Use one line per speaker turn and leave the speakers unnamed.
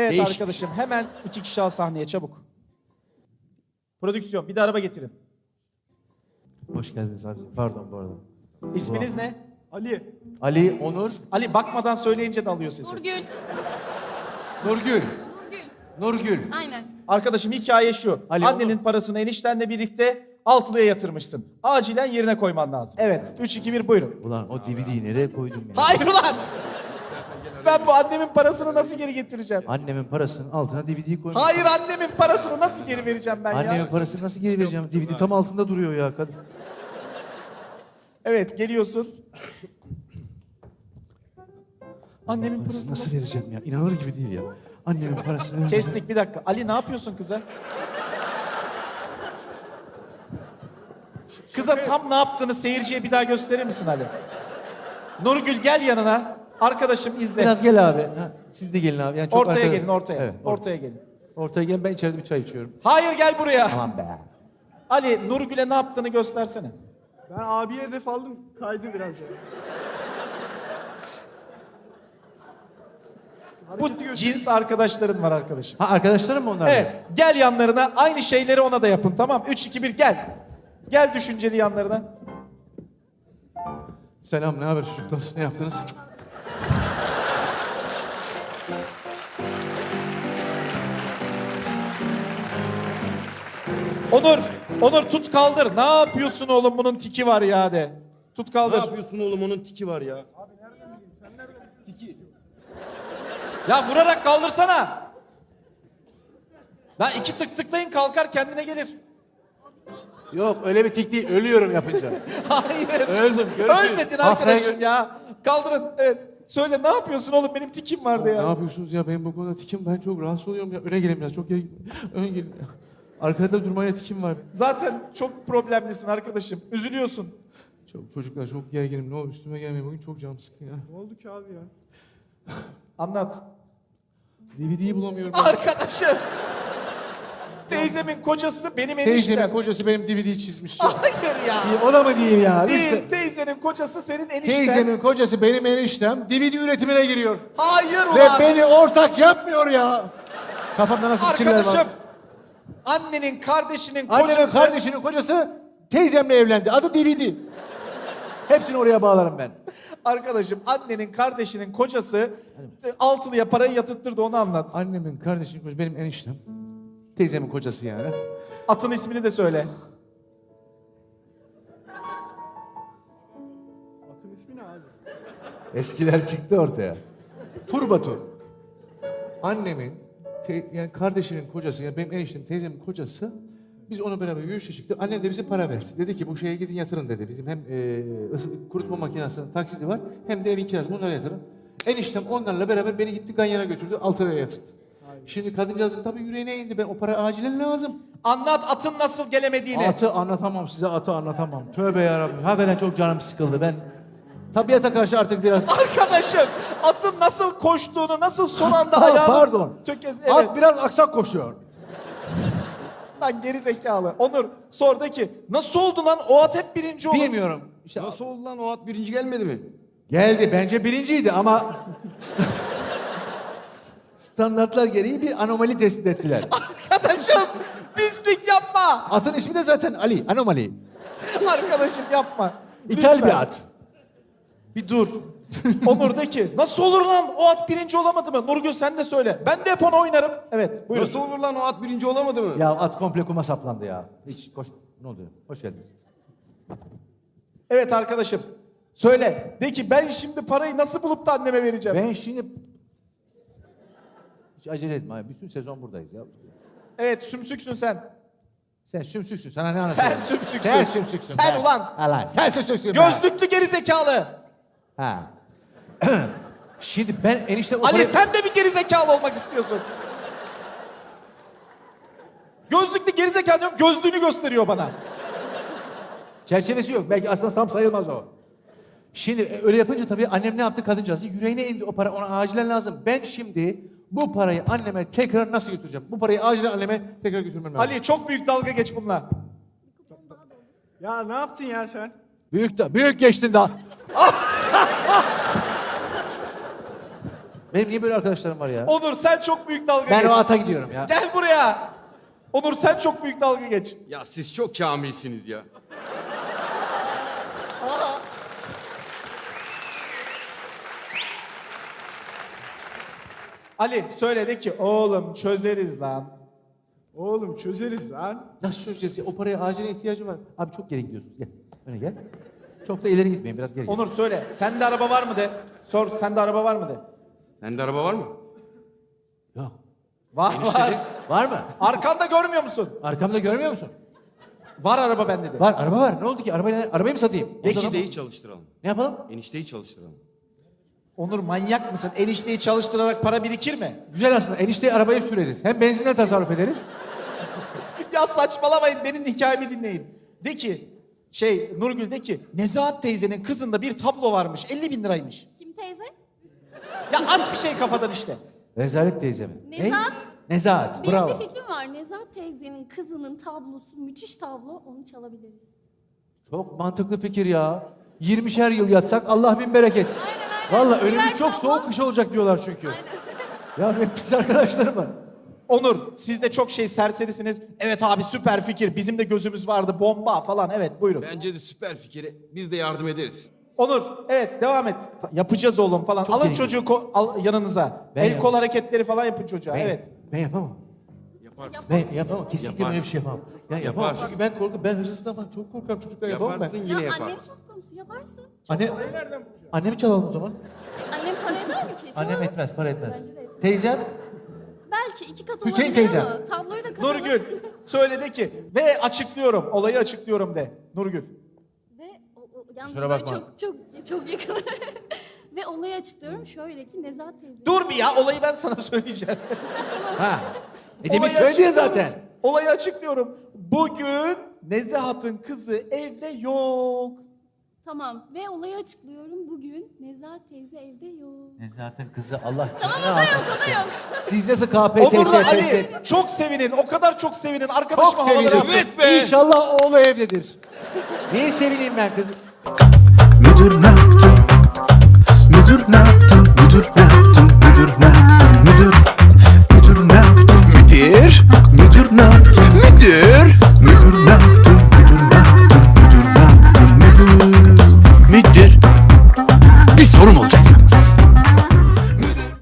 Evet
Değişik.
arkadaşım hemen 2 kişi al sahneye çabuk. Prodüksiyon bir de araba getirin.
Hoş geldiniz abi. Pardon bu arada.
İsminiz ne?
Ali.
Ali, Onur,
Ali bakmadan söyleyince de alıyor sesi.
Nurgül.
Nurgül.
Nurgül.
Nurgül.
Aynen.
Arkadaşım hikaye şu.
Ali,
Annenin parasını eniştenle birlikte altılıya yatırmışsın. Acilen yerine koyman lazım. Evet 3, 2, 1 buyurun.
Ulan o DVD'yi nereye koydum ya?
Hayır ulan! Ben bu annemin parasını nasıl geri getireceğim?
Annemin parasının altına DVD'yi koymuş.
Hayır annemin parasını nasıl geri vereceğim ben
Annemin
ya?
parasını nasıl geri vereceğim? DVD tam altında duruyor ya. Kadın.
Evet geliyorsun. Annemin parasını
Nasıl vereceğim ya? İnanılır gibi değil ya. Annemin parasını...
Kestik bir dakika. Ali ne yapıyorsun kıza? Kıza tam ne yaptığını seyirciye bir daha gösterir misin Ali? Nurgül gel yanına. Arkadaşım izle.
Biraz gel abi. Ha, siz de gelin abi. Yani çok
Ortaya
arkada-
gelin ortaya.
Evet,
Ortaya gelin.
ortaya gelin. Ben içeride bir çay içiyorum.
Hayır gel buraya.
Aman be.
Ali Nurgül'e ne yaptığını göstersene.
Ben abiye hedef aldım. Kaydı biraz ya.
Bu cins arkadaşların var arkadaşım.
Ha arkadaşlarım mı onlar?
Evet gel yanlarına aynı şeyleri ona da yapın tamam. 3, 2, 1 gel. Gel düşünceli yanlarına.
Selam, ne haber çocuklar? Ne yaptınız?
Onur tut kaldır. Ne yapıyorsun oğlum bunun tiki var ya de. Tut
Ne
kaldır.
yapıyorsun oğlum, onun tiki var ya.
Ya vurarak kaldırsana. Lan 2 tık tıklayın kalkar kendine gelir.
Yok öyle bir tik değil. Ölüyorum yapınca.
Hayır.
Öldüm. Görüşürüz.
Ölmedin
Haftaya
arkadaşım ya. Kaldırın. Evet. Söyle ne yapıyorsun oğlum benim tikim vardı
Ne
ya.
yapıyorsunuz ya? Benim bu konuda tikim. Ben çok rahatsız oluyorum ya. Öne gelin biraz. Çok geri... Ön gelin. Arkada durmaya tikim var.
Zaten çok problemlisin arkadaşım. Üzülüyorsun.
Çok, çocuklar çok gerginim. Ne olur üstüme gelmeyin. Bugün çok canım sıkkın ya.
Ne oldu ki abi ya?
Anlat.
DVD'yi bulamıyorum.
Arkadaşım. Teyzemin kocası benim
Teyzemin
eniştem.
kocası benim DVD'yi çizmiş ya.
Hayır ya.
O da mı değil ya?
Değil. Teyzenin kocası senin enişten.
Teyzemin kocası benim eniştem DVD üretimine giriyor.
Hayır
Ve
ulan.
beni ortak yapmıyor ya. Kafamda nasıl fikirler var?
Arkadaşım. Annenin kardeşinin kocası.
Annemin kardeşinin kocası teyzemle evlendi. Adı DVD. Hepsini oraya bağlarım ben.
Arkadaşım annenin kardeşinin kocası altılıya parayı yatırttırdı onu anlat.
Annemin kardeşinin kocası benim eniştem. Teyzemin kocası yani.
Atın ismini de söyle.
Atın ismi ne abi?
Eskiler çıktı ortaya. Turbatur. Annemin yani kardeşinin kocası yani benim eniştem teyzemin kocası biz onu beraber yürüyüşe çıktık. Annem de bize para verdi. Dedi ki bu şeye gidin yatırın dedi. Bizim hem kurutma makinesinin taksidi var hem de evin kirası. Bunlara yatırın. Eniştem onlarla beraber beni gitti Ganyan'a götürdü. Altın'a yatırdı. Şimdi kadıncağızın tabii yüreğine indi. Ben o para acilen lazım.
Anlat atın nasıl gelemediğini.
Atı anlatamam size atı anlatamam. Tövbe yarabbim. Hakikaten çok canım sıkıldı. Ben tabiata karşı artık biraz...
Arkadaşım atın nasıl koştuğunu, nasıl son anda
Ha,
ayağını...
pardon.
Evet.
At biraz aksak koşuyor.
Lan geri zekalı. Onur sor de ki nasıl oldu lan o at hep birinci olur.
Bilmiyorum. İşte
Nasıl oldu lan, o at birinci gelmedi mi?
geldi. Bence birinciydi ama standartlar gereği bir anomali tespit ettiler.
Arkadaşım pislik yapma.
Atın ismi de zaten Ali. Anomali.
Arkadaşım yapma.
İthal
Lütfen.
bir at.
Bir dur. Onur de ki nasıl olur lan o at birinci olamadı mı? Nurgül sen de söyle. Ben de hep ona oynarım. Evet buyurun.
Nasıl olur lan, o at birinci olamadı mı?
Ya at komple kuma saplandı ya. Hiç koş. Ne oldu? Hoş geldiniz.
Evet arkadaşım. Söyle. De ki ben şimdi parayı nasıl bulup da anneme vereceğim?
Ben şimdi... Hiç acele etme abi. Bütün sezon buradayız ya.
Evet sümsüksün sen.
Sen sümsüksün. Sana ne anlatıyorsun?
Sen sümsüksün.
Sen sümsüksün.
Sen
be.
ulan.
Allah. Sen sümsüksün. be.
Gözlüklü geri zekalı.
Ha. Şimdi ben enişte...
Ali sen de bir geri zekalı olmak istiyorsun. Gözlüklü geri zekalı diyorum gözlüğünü gösteriyor bana.
Çerçevesi yok. Belki aslında tam sayılmaz o. Şimdi öyle yapınca tabii annem ne yaptı kadıncağızı? Yüreğine indi o para. Ona acilen lazım. Ben şimdi bu parayı anneme tekrar nasıl götüreceğim? Bu parayı acilen anneme tekrar götürmem lazım.
Ali çok büyük dalga geç bununla.
Ya ne yaptın ya sen?
Büyük geçtin daha. Benim niye böyle arkadaşlarım var ya?
Onur sen çok büyük dalga
Ben
geç.
o ata gidiyorum ya.
Gel buraya. Onur sen çok büyük dalga geç.
Ya siz çok kamilsiniz ya.
Ali söyle de ki oğlum çözeriz lan.
Oğlum çözeriz lan.
Nasıl çözeceğiz ya? O paraya acil ihtiyacım var. Abi çok geri gidiyorsun. Gel. Öne gel. Çok da ileri gitmeyin. Biraz geri git.
Onur söyle. Sende araba var mı de. Sor sende araba var mı de.
Sende araba var mı?
Yok.
Var var.
Var mı?
Arkanda görmüyor musun?
Arkamda görmüyor musun?
Var araba bende de.
Var. Araba var. Ne oldu ki? Arabayı mı satayım?
Enişteyi çalıştıralım.
Ne yapalım?
Enişteyi çalıştıralım.
Onur manyak mısın? Enişteyi çalıştırarak para birikir mi?
Güzel aslında. Enişteyi arabayı süreriz. Hem benzinden tasarruf ederiz.
Ya saçmalamayın benim hikayemi dinleyin. De ki Nurgül de ki Nezahat teyzenin kızında bir tablo varmış 50.000 liraymış.
Kim teyze?
Ya at bir şey kafadan işte.
Rezalet teyze mi?
Nezahat.
Ne? Nezahat.
Benim
Bravo.
bir fikrim var. Nezahat teyzenin kızının tablosu müthiş tablo. Onu çalabiliriz.
Çok mantıklı fikir ya. 20'şer yıl yatsak Allah bin bereket.
Aynen.
Vallahi
Birer
önümüz çok
tablo.
soğuk kış olacak diyorlar çünkü. Ya benim pis arkadaşlarım var.
Onur siz de çok serserisiniz. Evet abi süper fikir. Bizim de gözümüz vardı bomba falan. Evet buyurun.
Bence de süper fikir. Biz de yardım ederiz.
Onur evet devam et. Yapacağız oğlum falan.
Çok
Alın
iyi.
çocuğu al yanınıza.
Ben
El
yap-
kol hareketleri falan yapın çocuğa.
Ben,
Evet.
Ben yapamam.
Yaparsın.
Ben yapamam. Kesinlikle böyle bir
Yaparsın.
şey yapamam. Ya yapamam.
Yaparsın.
Çünkü ben korkuyorum. Ben hırsızdan falan çok korkarım. Çocuklar yapamam
Yaparsın
ben.
yine
Ya annem
yaparsın.
söz konusu yaparsın.
Annemi çalalım o zaman.
Annem para eder mi ki? Çalalım.
Annem etmez, para etmez.
Bence de etmez.
Teyzem,
Belki 2 kat
Hüseyin
olabilir
teyze.
ama tabloyu da katalım.
Nurgül söyle de ki ve açıklıyorum. Olayı açıklıyorum de. Nurgül.
Ve yalnız
Kusura
böyle
bakma.
çok yakın. Ve olayı açıklıyorum. Şöyle ki Nezahat teyze.
Dur bir ya olayı ben sana söyleyeceğim.
ha. Demin
Olayı
söyledi ya
açıklıyorum.
zaten.
Olayı açıklıyorum. Bugün Nezahat'ın kızı evde yok.
Tamam. Ve olayı açıklıyorum. Bugün Nezahat teyze evde yok.
Nezahat'ın kızı Allah
Tamam
canını
o da yok
almasın.
o da yok.
Siz nasıl KPSS,
Onur'la Ali
PSS?
çok sevinin. O kadar çok sevinin. Arkadaşıma
Çok
havaları
sevinirim.
atın.
Evet be.
İnşallah oğlu evdedir. Niye sevineyim ben kızım?
Müdür ne yaptın? Müdür ne yaptın? Müdür ne yaptın? Müdür ne yaptın? Müdür ne yaptın? Müdür ne yaptın? Müdür ne yaptın?